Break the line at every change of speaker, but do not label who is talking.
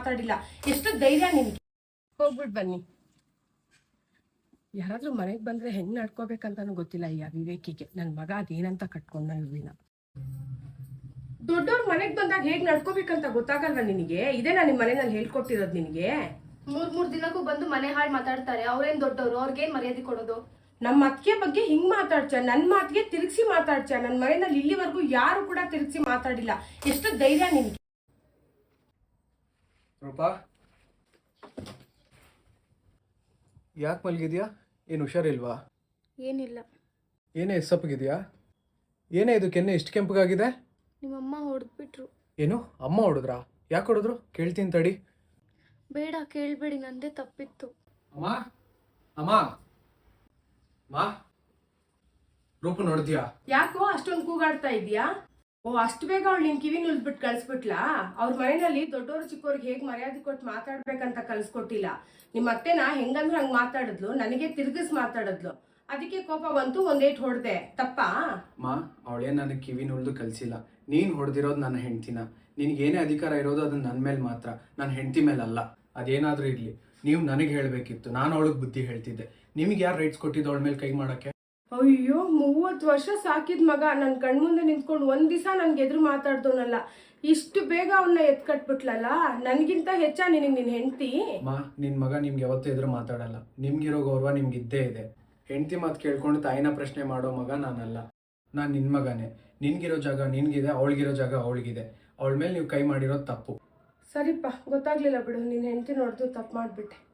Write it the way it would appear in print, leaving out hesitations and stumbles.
ಮಾತಾಡಿಲ್ಲ. ಎಷ್ಟು ಧೈರ್ಯ ನಿನ್ಗೆ? ಹೋಗ್ಬಿಟ್ಟು ಬನ್ನಿ. ಯಾರಾದ್ರೂ ಮನೆಗೆ ಬಂದ್ರೆ ಹೆಂಗ್ ನಡ್ಕೋಬೇಕಂತಾನು ಗೊತ್ತಿಲ್ಲ ಈ ವಿವೇಕಿಗೆ. ನನ್ ಮಗ ಅದೇನಂತ ಕಟ್ಕೊಂಡ ಇವಿನ. ದೊಡ್ಡವ್ರ ಮನೆಗ್ ಬಂದಾಗ ಹೇಗ್ ನಡ್ಕೋಬೇಕಂತ ಗೊತ್ತಾಗಲ್ವಾ ನಿನಗೆ? ಇದೇನಾ ನಿಮ್ ಮನೆಯಲ್ಲಿ ಹೇಳ್ಕೊಟ್ಟಿರೋದು ನಿನಗೆ?
ಮೂರ್ ದಿನಕ್ಕೂ ಬಂದು ಮನೆ ಹಾಳು ಮಾತಾಡ್ತಾರೆ. ಅವ್ರೇನ್ ದೊಡ್ಡವರು, ಅವ್ರಿಗೇನ್ ಮರ್ಯಾದೆ ಕೊಡೋದು?
ನಮ್ಮ ಅತ್ತಿಗೆ ಬಗ್ಗೆ ಹಿಂಗ್ ಮಾತಾಡ್ಚ, ನನ್ ಮಾತಿಗೆ ತಿರುಗಿಸಿ ಮಾತಾಡ್ಚ. ನನ್ ಮನೆಯಲ್ಲಿ ಇಲ್ಲಿವರೆಗೂ ಯಾರು ಕೂಡ ತಿರುಗಿಸಿ ಮಾತಾಡಿಲ್ಲ. ಎಷ್ಟು ಧೈರ್ಯ ನಿನ್ಗೆ?
ರೂಪಾ, ಯಾಕೆ ಮಲಗಿದ್ಯಾ? ಏನು ಹುಷಾರಿಲ್ವಾ?
ಏನಿಲ್ಲ.
ಏನೇ ಎಸ್ಸಪ್ಪಗಿದ್ಯಾ? ಏನೇ ಇದು ಕೆನ್ನೆ ಇಷ್ಟು ಕೆಂಪಗಾಗಿದೆ?
ನಿಮ್ಮಮ್ಮ ಹೊಡೆದ್ಬಿಟ್ರು.
ಏನು ಅಮ್ಮ ಹೊಡೆದ್ರಾ? ಯಾಕೆ ಹೊಡೆದ್ರು? ಕೇಳ್ತೀನಿ ತಡಿ.
ಬೇಡ, ಕೇಳ್ಬೇಡಿ, ನಂದೇ ತಪ್ಪಿತ್ತು.
ಅಮ್ಮ ಅಮ್ಮ ಮಾ, ರೂಪ ನೋಡಿದ್ಯಾ?
ಯಾಕೋ ಅಷ್ಟೊಂದು ಕೂಗಾಡ್ತಾ ಇದೀಯಾ? ಓ, ಅಷ್ಟು ಬೇಗ ಅವಳು ನಿನ್ ಕಿವಿ ನುಲ್ಬಿಟ್ಟು ಕಳ್ಸ್ಬಿಟ್ಲಾ? ಅವ್ರ ಮನೆಯಲ್ಲಿ ದೊಡ್ಡವರು ಚಿಕ್ಕವ್ರಿಗೆ ಹೇಗ್ ಮರ್ಯಾದೆ ಕೊಟ್ಟು ಮಾತಾಡ್ಬೇಕಂತ ಕಲ್ಸ್ಕೊಟ್ಟಿಲ್ಲ. ನಿಮ್ಮ ಅತ್ತೆನ ಹೆಂಗಂದ್ರೆ ಹಂಗ್ ಮಾತಾಡಿದ್ಲು, ನನಗೆ ತಿರ್ಗಿಸ್ ಮಾತಾಡಿದ್ಲು. ಅದಕ್ಕೆ ಕೋಪ ಬಂತು, ಒಂದೇಟ್ ಹೊಡೆದೆ. ತಪ್ಪಾ?
ಮಾ, ಅವಳೇನು ನನಗೆ ಕಿವಿ ನುಳ್ದು ಕಲಿಸಿಲ್ಲ. ನೀನು ಹೊಡೆದಿರೋದು ನನ್ನ ಹೆಂಡ್ತಿನ. ನಿನಗೇನೇ ಅಧಿಕಾರ ಇರೋದು ಅದು ನನ್ನ ಮೇಲೆ ಮಾತ್ರ, ನನ್ನ ಹೆಂಡ್ತಿ ಮೇಲಲ್ಲ. ಅದೇನಾದರೂ ಇರಲಿ, ನೀವು ನನಗೆ ಹೇಳಬೇಕಿತ್ತು. ನಾನು ಅವಳಿಗೆ ಬುದ್ಧಿ ಹೇಳ್ತಿದ್ದೆ. ನಿಮ್ಗೆ ಯಾರು ರೈಟ್ಸ್ ಕೊಟ್ಟಿದ್ದು ಅವಳ ಮೇಲೆ ಕೈ ಮಾಡೋಕ್ಕೆ?
ಅಯ್ಯೋ, 30 ವರ್ಷ ಸಾಕಿದ ಮಗ ನನ್ನ ಕಣ್ಮುಂದೆ ನಿಂತ್ಕೊಂಡು ಒಂದ್ ದಿವಸ ನನ್ಗೆ ಎದುರು ಮಾತಾಡ್ದೋನಲ್ಲ. ಇಷ್ಟು ಬೇಗ ಅವನ್ನ ಎತ್ಕಟ್ಬಿಟ್ಲಲ್ಲ. ನನ್ಗಿಂತ ಹೆಚ್ಚ ನಿನಗೆ ನಿನ್ ಹೆಂಡ್ತಿ?
ಮಾ, ನಿನ್ ಮಗ ನಿಮ್ಗೆ ಯಾವತ್ತೂ ಎದುರು ಮಾತಾಡಲ್ಲ. ನಿಮ್ಗಿರೋ ಗೌರವ ನಿಮ್ಗೆ ಇದ್ದೇ ಇದೆ. ಹೆಂಡ್ತಿ ಮಾತು ಕೇಳ್ಕೊಂಡು ತಾಯಿನ ಪ್ರಶ್ನೆ ಮಾಡೋ ಮಗ ನಾನಲ್ಲ. ನಾನು ನಿನ್ ಮಗನೇ. ನಿನ್ಗಿರೋ ಜಾಗ ನಿನ್ಗಿದೆ, ಅವಳಿಗಿರೋ ಜಾಗ ಅವಳಿಗಿದೆ. ಅವಳ ಮೇಲೆ ನೀವು ಕೈ ಮಾಡಿರೋದು ತಪ್ಪು.
ಸರಿಪ್ಪ, ಗೊತ್ತಾಗ್ಲಿಲ್ಲ ಬಿಡು. ನಿನ್ ಹೆಂಡ್ತಿ ನೋಡ್ದು ತಪ್ಪು ಮಾಡ್ಬಿಟ್ಟೆ.